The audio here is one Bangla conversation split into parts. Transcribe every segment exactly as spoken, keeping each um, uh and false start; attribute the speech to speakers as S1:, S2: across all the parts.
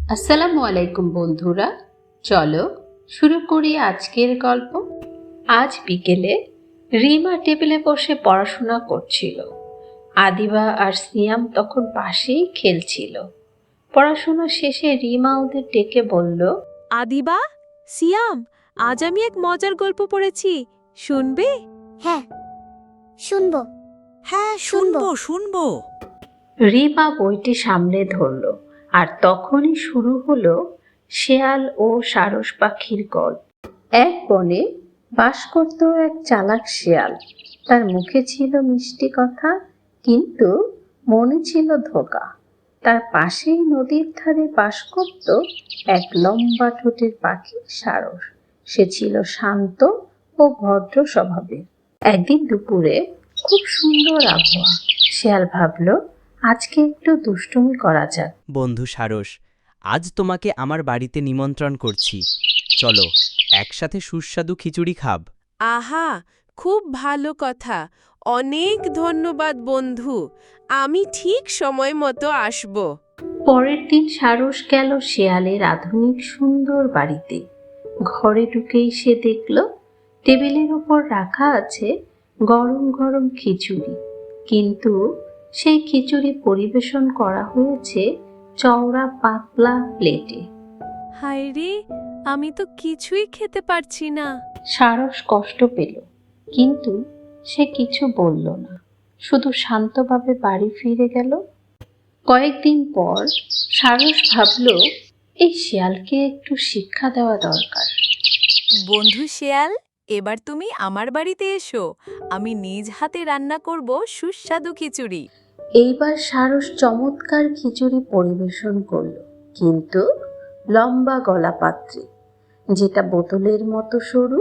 S1: আসসালামু আলাইকুম বন্ধুরা, চলো শুরু করি আজকের গল্প। আজ বিকেলে রিমা টেবিলে বসে পড়াশোনা করছিল। আদিবা আর সিয়াম তখন পাশেই খেলছিল। পড়াশোনা শেষে রিমা ওদের ডেকে বলল,
S2: আদিবা, সিয়াম, আজ আমি এক মজার গল্প পড়েছি, শুনবে?
S3: হ্যাঁ, শুনবো।
S4: হ্যাঁ, শুনবো শুনবো।
S1: রিমা বইটি সামনে ধরল, আর তখনই শুরু হলো শেয়াল ও সারস পাখির গল্প। এক বনে বাস করত এক চালাক শেয়াল। তার মুখে ছিল মিষ্টি কথা, কিন্তু মনে ছিল ধোঁকা। তার পাশেই নদীর ধারে বাস করত এক লম্বা ঠোঁটের পাখি সারস। সে ছিল শান্ত ও ভদ্র স্বভাবের। একদিন দুপুরে খুব সুন্দর আবহাওয়া। শেয়াল ভাবল, আজকে একটু দুষ্টুমি করা যাক।
S5: বন্ধু সারস, আজ তোমাকে আমার বাড়িতে নিমন্ত্রণ করছি, চলো একসাথে সুস্বাদু খিচুড়ি খাব।
S2: আহা, খুব ভালো কথা, অনেক ধন্যবাদ বন্ধু, আমি ঠিক সময় মতো আসব।
S1: পরের দিন সারস গেল শেয়ালের আধুনিক সুন্দর বাড়িতে। ঘরে ঢুকেই সে দেখল টেবিলের উপর রাখা আছে গরম গরম খিচুড়ি, কিন্তু সেই খিচুড়ি পরিবেশন করা হয়েছে চওড়া পাতলা প্লেটে।
S2: হায় রে, আমি তো কিছুই খেতে পারছি না।
S1: সারস কষ্ট পেল, কিন্তু সে কিছু বলল না, শুধু শান্তভাবে বাড়ি ফিরে গেল। কয়েকদিন পর সারস ভাবল, এই শিয়ালকে একটু শিক্ষা দেওয়া দরকার।
S2: বন্ধু শেয়াল, এবার তুমি আমার বাড়িতে এসো, আমি নিজ হাতে রান্না করব সুস্বাদু খিচুড়ি।
S1: এইবার সারস চমৎকার খিচুড়ি পরিবেশন করল, কিন্তু লম্বা গলা পাত্রে, যেটা বোতলের মতো সরু।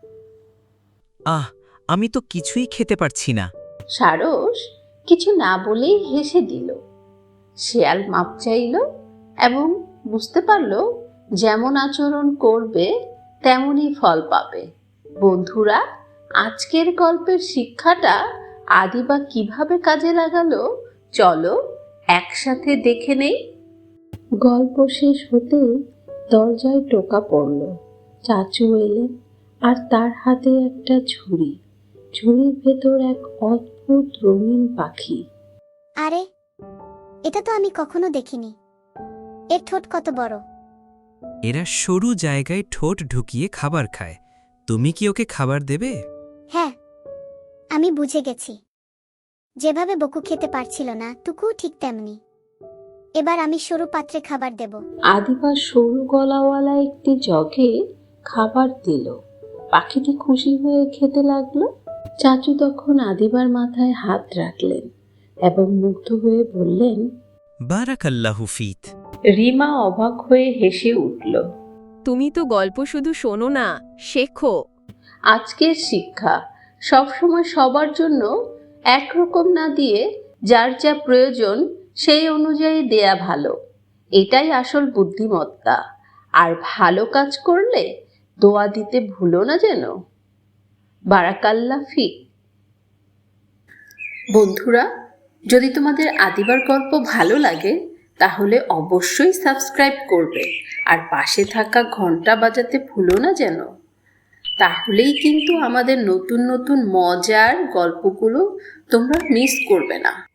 S5: আহ, আমি তো কিছুই খেতে পারছি না।
S1: সারস কিছু না বলেই হেসে দিল। শেয়াল মাপ চাইল এবং বুঝতে পারল যেমন আচরণ করবে তেমনই ফল পাবে। বন্ধুরা, আজকের গল্পের শিক্ষাটা আদিবা কিভাবে কাজে লাগালো, চলো একসাথে দেখে নেই। গল্প শেষ হতেই দরজায় টোকা পড়ল। চাচু এলেন, আর তার হাতে একটা ঝুড়ি। ঝুড়ির ভেতর এক অদ্ভুত রঙিন পাখি।
S3: আরে, এটা তো আমি কখনো দেখিনি। এর ঠোঁট কত বড়!
S6: এরা সরু জায়গায় ঠোঁট ঢুকিয়ে খাবার খায়। তুমি কি ওকে খাবার দেবে?
S3: হ্যাঁ, আমি বুঝে গেছি। যেভাবে বকু খেতে পারছিল না, টুকুও ঠিক তেমনি। এবার আমি সরু পাত্রে খাবার দেব।
S1: আদিবা সরু গলাওয়ালা একটি জগে খাবার দিল। পাখিটি খুশি হয়ে খেতে লাগলো। চাচু তখন আদিবার মাথায় হাত রাখলেন এবং মুগ্ধ হয়ে বললেন,
S6: বারাকাল্লাহু ফিত।
S1: রিমা অবাক হয়ে হেসে উঠল।
S2: তুমি তো গল্প শুধু শোনো না, শেখো।
S1: আজকের শিক্ষা, সবসময় সবার জন্য একরকম না দিয়ে যার যা প্রয়োজন সেই অনুযায়ী দেয়া ভালো। এটাই আসল বুদ্ধিমত্তা। আর ভালো কাজ করলে দোয়া দিতে ভুলো না যেন। বারাকাল্লাহ ফিক। বন্ধুরা, যদি তোমাদের আদিবার গল্প ভালো লাগে তাহলে অবশ্যই সাবস্ক্রাইব করবে, আর পাশে থাকা ঘন্টা বাজাতে ভুলো না যেন। তাহলেই কিন্তু আমাদের নতুন নতুন মজার গল্পগুলো তোমরা মিস করবে না।